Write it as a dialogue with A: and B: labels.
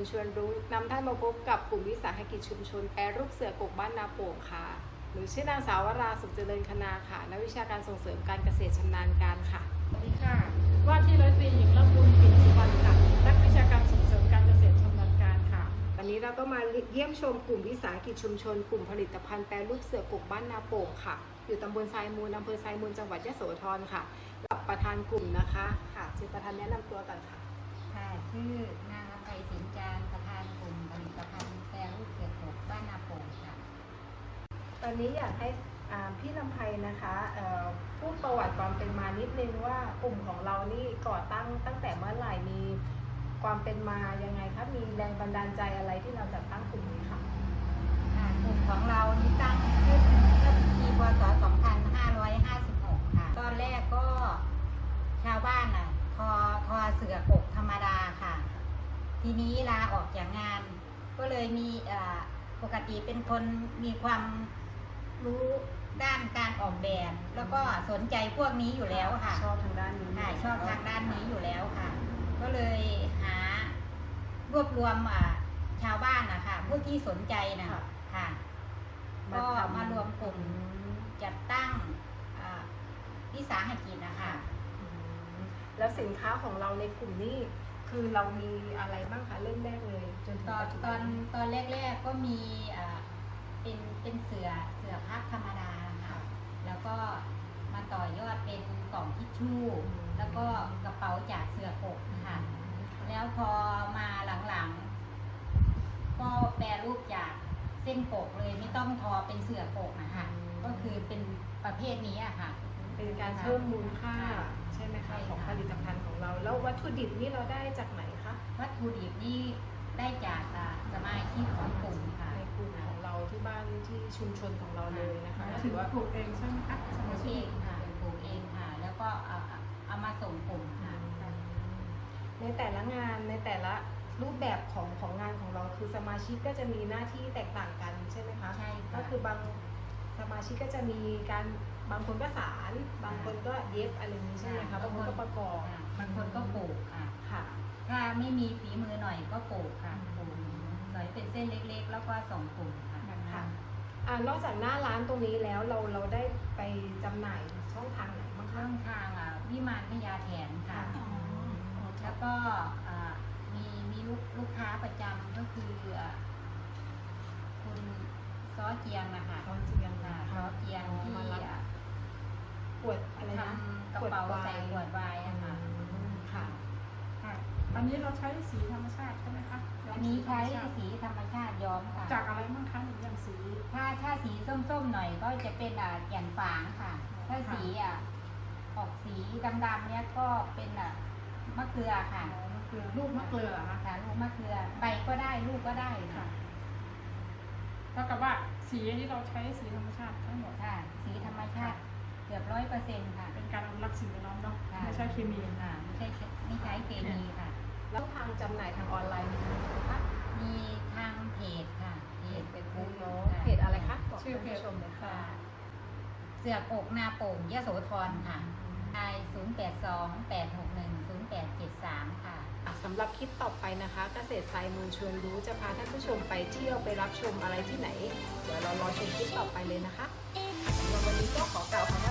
A: ชวนรู้นำท่านมาพบกับกลุ่มวิสาหกิจชุมชนแปรรูปเสือกกบ้านนาโป่งค่ะหรือชื่อนางสาววราสุขเจริญคณาค่ะนักวิชาการส่งเสริมการเกษตรชำนาญการค่ะ
B: สวัสดีค่ะว่าที่ร้อยตรีหญิงละมุนปิ่นสุวรรณค่ะนักวิชาการส่งเสริมการเกษตรชำนาญการค่ะ
A: วันนี้เราก็มาเยี่ยมชมกลุ่มวิสาหกิจชุมชนกลุ่มผลิตภัณฑ์แปรรูปเสือกกบ้านนาโป่งค่ะอยู่ตำบลทรายมูลอำเภอทรายมูลจังหวัดยโสธรค่ะกับประธานกลุ่มนะคะค่ะชื่อประธานแนะนำตัวกันค่ะ
C: ค่ะชื่อนางอภัยสินจารประธานกลุ่มผลิตภัณฑ์แปรรูปเสือกกบ้านนาโป่งค่ะ
A: ตอนนี้อยากให้พี่ลำไพนะคะพูดประวัติความเป็นมานิดนึงว่ากลุ่มของเรานี่ก่อตั้งแต่เมื่อไหร่มีความเป็นมายังไงคะมีแรงบันดาลใจอะไรที่เราจัดตั้งกลุ่มนี้ค่ะ
C: กลุ่มของเรานี่ตั้งขึ้นเมื่อปีพศ 2556 ค่ะตอนแรกก็ชาวบ้านทอเสือกกธรรมดาค่ะ ทีนี้ลาออกจากงาน ก็เลยมีปกติเป็นคนมีความรู้ด้านการออกแบบ แล้วก็สนใจพวกนี้อยู่แล้วค่ะ
A: ชอบทางด้านนี้
C: ค่ะชอบทางด้านนี้อยู่แล้วค่ะ ก็เลยหารวบรวมชาวบ้านนะคะผู้ที่สนใจนะค่ะก็มารวมกลุ่มจัดตั้งวิสาหกิจนะคะ
A: แล้วสินค้าของเราในกลุ่มนี้คือเรามีอะไรบ้างคะเริ่มแรกเลยจนถึงปัจจุบัน
C: ตอนแรกๆก็มีเป็นเสือพับธรรมดาค่ะแล้วก็มาต่อยอดเป็นกล่องทิชชู่แล้วก็กระเป๋าจากเสือกกค่ะแล้วพอมาหลังๆก็แปรรูปจากเส้นกกเลยไม่ต้องทอเป็นเสือกกนะคะก็คือเป็นประเภทนี้อะค่ะ
A: เป็นการเพิ่มมูลค่าใช่ไหมคะของผลิตภัณฑ์ของเราแล้ววัตถุดิบนี่เราได้จากไหนคะ
C: วัตถุดิบนี่ได้จากสมาชิกของกลุ่มค่ะ
A: ในกลุ่มของเราที่บ้านที่ชุมชนของเราเลยนะคะ
B: ถือว่าปลูกเองใช่ไหมคะ
C: ปลูกเองค่ะปลูกเองค่ะแล้วก็เอามาส่งกลุ่มค่ะ
A: ในแต่ละงานในแต่ละรูปแบบของงานของเราคือสมาชิกก็จะมีหน้าที่แตกต่างกันใช่ไหมคะ
C: ใช่
A: ก็คือบางสมาชิกก็จะมีการบางคนก็สารบางคนก็เย็บอะไรนี้ใช่ไหมคะบางคนก็ประกอบบ
C: างคนก็ปลูก
A: ค่ะ
C: ถ้าไม่มีฝีมือหน่อยก็ปลูกค่ะปลูกสอยเป็นเส้นเล็กๆแล้วก็ส่งกลุ่มค่ะ
A: นอกจากหน้าร้านตรงนี้แล้วเราได้ไปจำหน่ายช่องทางไหนบ้างคะ
C: ช่องทางวิมานพญาแถนค่ะแล้วก็มีลูกค้าประจำก็คือคุณซ้อเจียงนะคะ
A: ซ้อเจียง
C: ที่
A: ขวดอะไรนะ
C: กระเป๋าใส่ขวดไวน์ค่ะ
B: อันนี้เราใช้สีธรรมชาติใช่ไหมคะ
C: อันนี้ใช้สีธรรมชาติย้อมค่ะ
B: จากอะไรบ้างคะอย่างสี
C: ถ้าสีส้มๆหน่อยก็จะเป็นแก่นฝางค่ะถ้าสีออกสีดำๆเนี้ยก็เป็นมะเกลือค่ะ
B: ลูกมะเกลือ
C: ค่ะลูกมะเกลือใบก็ได้ลูกก็ได้ค่ะ
B: เท่ากับว่าสีที่เราใช้สีธรรมชาติทั้งหมด
C: ค่ะสีธรรมชาติเกือบ100%ค่ะ
B: เป็นการอนุรักษ์สิ่งแวดล้อมเนาะไม่ใช่เคมี
C: ค่ะไม่ใช้เคมีค่ะ
A: แล้วทางจำหน่ายทางออนไลน์มีไหมคะ
C: มีทางเพจค่ะ
A: เพจบุ๊กเนาะเพจอะไรคะ
B: ชื่อเพจ
A: ชมเลยค่ะ
C: เสือกกนาโป่งยโสธรค่ะไอ0828610873ค่ะ
A: สำหรับคลิปต่อไปนะคะเกษตรทรายมูลชวนรู้จะพาท่านผู้ชมไปเที่ยวไปรับชมอะไรที่ไหนเดี๋ยวเรารอชมคลิปต่อไปเลยนะคะวันนี้ก็ขอกล่าวคำ